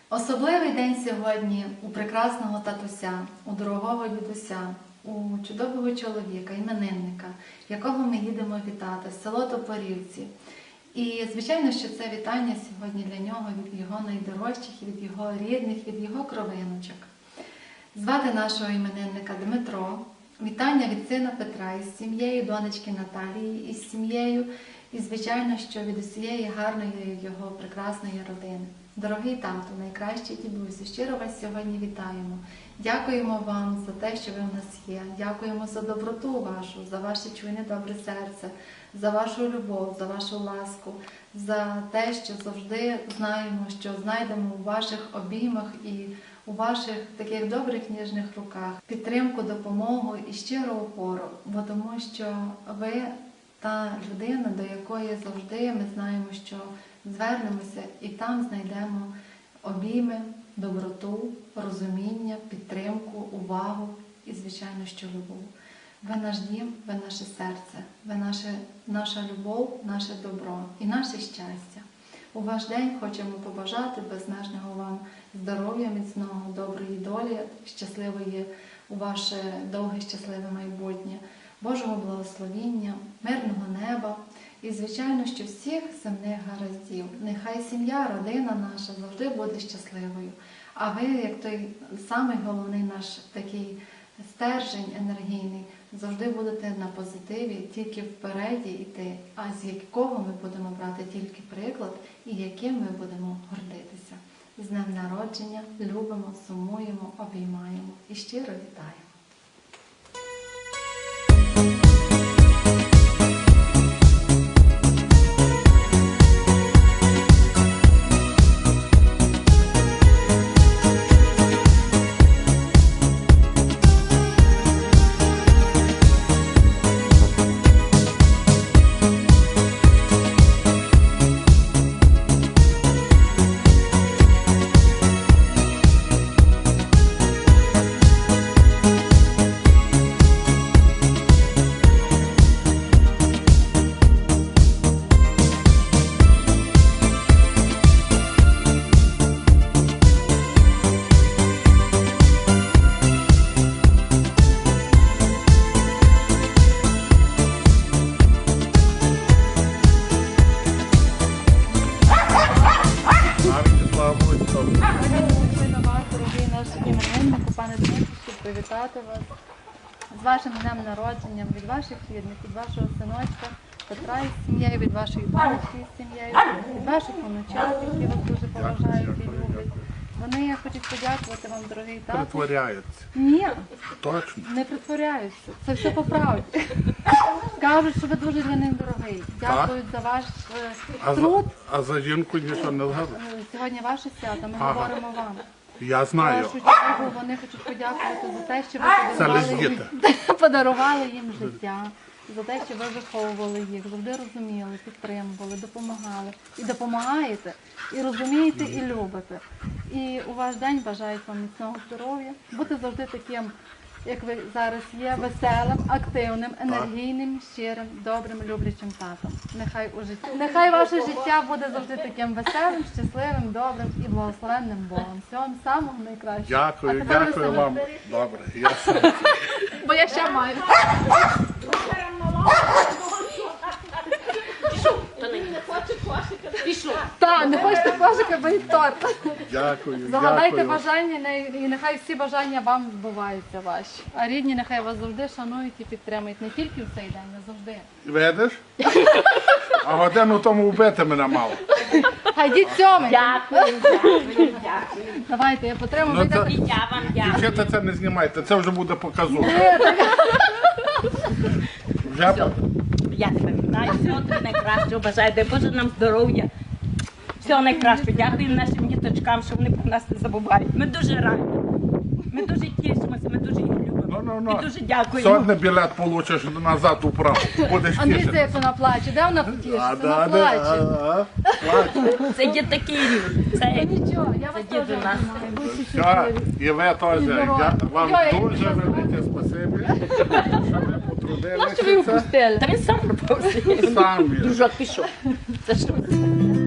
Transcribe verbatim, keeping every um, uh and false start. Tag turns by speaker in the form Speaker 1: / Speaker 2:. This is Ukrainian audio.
Speaker 1: Особливий день сьогодні у прекрасного татуся, у дорогого дідуся, у чудового чоловіка, іменинника, якого ми їдемо вітати, в село Топорівці. І, звичайно, що це вітання сьогодні для нього від його найдорожчих, від його рідних, від його кровиночок. Звати нашого іменинника Дмитро. Вітання від сина Петра із сім'єю, донечки Наталії із сім'єю. І, звичайно, що від усієї гарної його прекрасної родини. Дорогий тату, найкращий дідусю, щиро вас сьогодні вітаємо. Дякуємо вам за те, що ви в нас є. Дякуємо за доброту вашу, за ваше чуйне добре серце, за вашу любов, за вашу ласку, за те, що завжди знаємо, що знайдемо у ваших обіймах і у ваших таких добрих ніжних руках підтримку, допомогу і щиру опору, бо тому що ви та людина, до якої завжди ми знаємо, що звернемося і там знайдемо обійми, доброту, розуміння, підтримку, увагу і, звичайно, що любов. Ви наш дім, ви наше серце, ви наше, наша любов, наше добро і наше щастя. У ваш день хочемо побажати безмежного вам здоров'я, міцного, доброї долі, щасливої у ваше довге щасливе майбутнє, Божого благословіння, мирного неба і, звичайно, що всіх земних гараздів. Нехай сім'я, родина наша завжди буде щасливою. А ви, як той самий головний наш такий стержень енергійний, завжди будете на позитиві, тільки впереді йти, а з якого ми будемо брати тільки приклад і яким ми будемо гордитися. З днем народження любимо, сумуємо, обіймаємо і щиро вітаємо. Пане Дмитро, щоб привітати вас з вашим днем народження, від ваших рідних, від вашого синочка Петра із сім'єю, від вашої донечки із сім'єю, від ваших онучат, які вас дуже поважають і люблять. Вони хочуть подякувати вам, дорогий тато.
Speaker 2: Притворяються.
Speaker 1: Ні,
Speaker 2: Точно.
Speaker 1: не притворяються. Це все по правді. Кажуть, що ви дуже для них дорогий. Дякують за ваш
Speaker 2: А за,
Speaker 1: труд.
Speaker 2: а за жінку нічого не згадуєш?
Speaker 1: Сьогодні ваше свято, ми
Speaker 2: Ага.
Speaker 1: говоримо вам.
Speaker 2: Я знаю.
Speaker 1: Першу чергу вони хочуть подякувати за те, що ви
Speaker 2: Це
Speaker 1: подарували
Speaker 2: лише
Speaker 1: їм, подарували їм життя, за те, що ви виховували їх, завжди розуміли, підтримували, допомагали. І допомагаєте, і розумієте, і любите. І у ваш день бажають вам міцного здоров'я, бути завжди таким, як ви зараз є, веселим, активним, енергійним, щирим, добрим, люблячим татом. Нехай у житті, нехай ваше життя буде завжди таким веселим, щасливим, добрим і благословенним Богом. Всього вам самого найкращого.
Speaker 2: Дякую,
Speaker 1: А тепер ви
Speaker 2: дякую
Speaker 1: самі.
Speaker 2: вам. Добре, я сам.
Speaker 1: Бо я ще маю. Так, не хочете кошика, бо й торт.
Speaker 2: Дякую,
Speaker 1: Загадайте
Speaker 2: дякую.
Speaker 1: бажання, і нехай всі бажання вам збуваються ваші. А рідні нехай вас завжди шанують і підтримують. Не тільки в цей день, а завжди.
Speaker 2: Видиш? А годину тому вбити мене мало.
Speaker 1: Хай йдіть сьомий.
Speaker 3: Дякую, дякую, дякую.
Speaker 1: Давайте, я потримую.
Speaker 2: Ну,
Speaker 1: ви
Speaker 2: це-
Speaker 1: так-
Speaker 3: І я вам дякую.
Speaker 2: Дівчата, це не знімайте, це вже буде показово. Вже по-
Speaker 3: Я тебе вітаю, всього тобі найкращого бажаю, дай Боже нам здоров'я. Всього найкращого. Дякую нашим діточкам, що вони про нас не забувають. Ми дуже раді. Ми дуже тішимося, ми дуже їх любимо.
Speaker 2: Ну, ну, ну.
Speaker 3: І дуже дякуємо.
Speaker 2: Сьогодні білет получиш назад у право. Будеш
Speaker 1: Андрій,
Speaker 2: тішити.
Speaker 1: як вона плаче. Де вона тішиться?
Speaker 2: А,
Speaker 1: Вона
Speaker 2: да, да,
Speaker 1: плаче.
Speaker 2: а, а, плаче.
Speaker 3: Це є такий рівень. Це
Speaker 1: Та нічого, я вас
Speaker 3: Це
Speaker 1: теж
Speaker 3: діду нас.
Speaker 1: обіймаю. Будьте
Speaker 2: Все,
Speaker 1: щасливі.
Speaker 2: і ви теж. Я вам
Speaker 1: Йой, як
Speaker 2: дуже
Speaker 1: ви
Speaker 2: велике спасибі, що ви
Speaker 3: що ви
Speaker 2: потрудилися.
Speaker 3: упустили. Та він сам пропав.
Speaker 2: Самі.
Speaker 3: Дружок пішов. Це що?